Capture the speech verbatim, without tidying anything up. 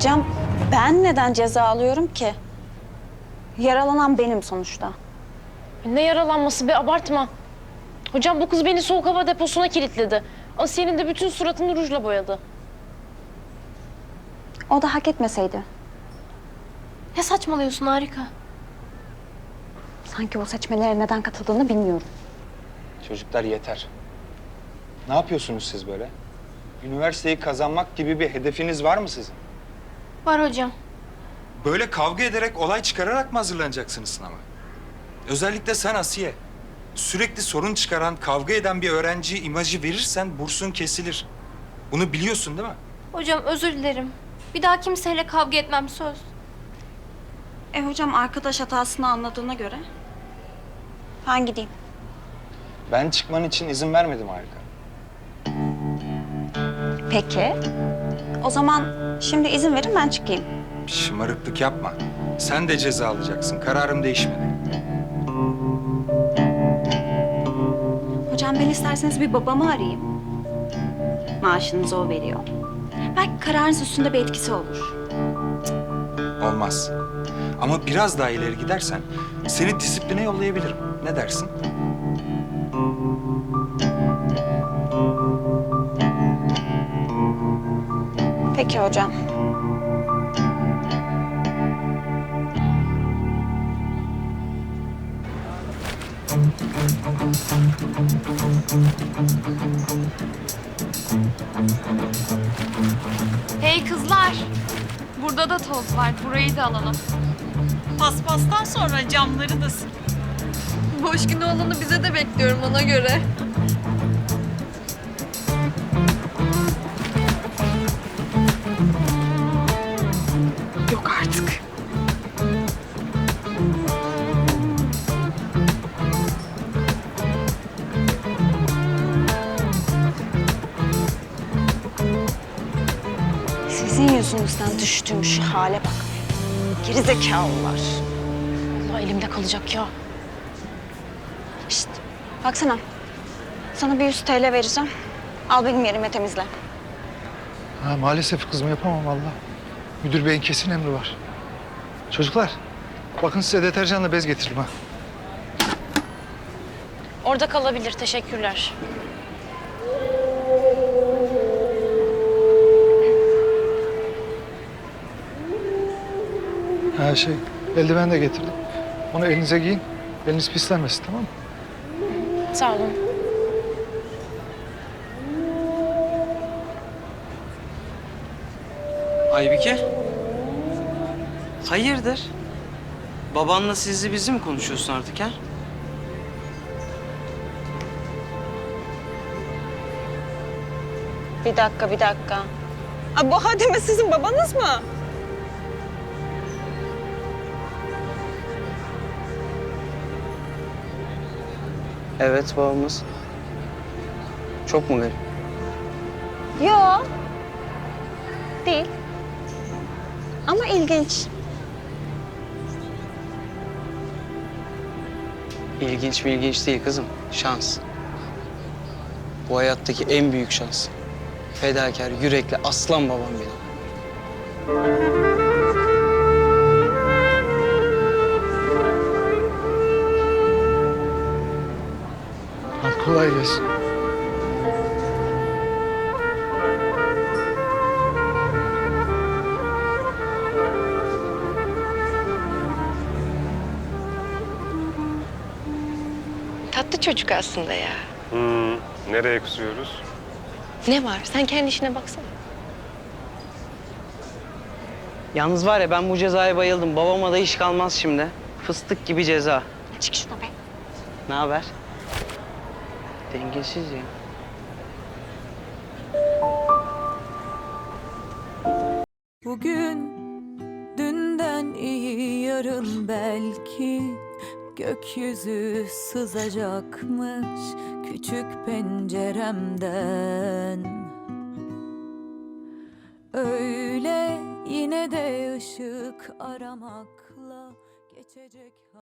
Hocam ben neden ceza alıyorum ki? Yaralanan benim sonuçta. Ne yaralanması be, abartma. Hocam bu kız beni soğuk hava deposuna kilitledi. Asiye'nin de bütün suratını rujla boyadı. O da hak etmeseydi. Ne saçmalıyorsun Harika? Sanki o seçmelere neden katıldığını bilmiyorum. Çocuklar yeter. Ne yapıyorsunuz siz böyle? Üniversiteyi kazanmak gibi bir hedefiniz var mı sizin? Var hocam. Böyle kavga ederek, olay çıkararak mı hazırlanacaksınız sınava? Özellikle sen Asiye. Sürekli sorun çıkaran, kavga eden bir öğrenci imajı verirsen bursun kesilir. Bunu biliyorsun değil mi? Hocam özür dilerim. Bir daha kimseyle kavga etmem, söz. E hocam arkadaş hatasını anladığına göre ben gideyim. Ben çıkman için izin vermedim Harika. Peki. O zaman şimdi izin verin ben çıkayım. Şımarıklık yapma. Sen de ceza alacaksın. Kararım değişmedi. Hocam ben isterseniz bir babamı arayayım. Maaşınızı o veriyor. Belki kararınız üstünde bir etkisi olur. Olmaz. Ama biraz daha ileri gidersen seni disipline yollayabilirim. Ne dersin? Peki hocam. Hey kızlar. Burada da toz var. Burayı da alalım. Paspastan sonra camları da sil. Boş günü olanı bize de bekliyorum ona göre. Yok artık. Sizin yüzünüzden düştüğüm şu hale bak. Gerizekalılar. Allah elimde kalacak ya. Şişt, baksana. Sana bir yüz TL vereceğim. Al benim yerime temizle. Ha, maalesef kızım yapamam vallahi. Müdür beyin kesin emri var. Çocuklar, bakın size deterjanla bez getirdim ha. Orada kalabilir, teşekkürler. Ha şey, eldiven de getirdim. Onu elinize giyin, eliniz pislenmesin, tamam mı? Sağ olun. Aybike. Hayırdır? Babanla sizli bizi mi konuşuyorsun artık ha? Bir dakika, bir dakika. Aa, bu Hademe sizin babanız mı? Evet babamız. Çok mu garip? Yo. Değil. Ama ilginç. İlginç mi ilginç değil kızım. Şans. Bu hayattaki en büyük şans. Fedakar, yürekli aslan babam benim. Hadi kolay gelsin. Tatlı çocuk aslında ya. Hmm, nereye kusuyoruz? Ne var? Sen kendi işine baksana. Yalnız var ya ben bu cezaya bayıldım. Babama da iş kalmaz şimdi. Fıstık gibi ceza. Çık şuna be. Ne haber? Dengesiz ya. Bugün dünden iyi, yarın belki gökyüzü sızacakmış küçük penceremden. Öyle yine de ışık aramakla geçecek.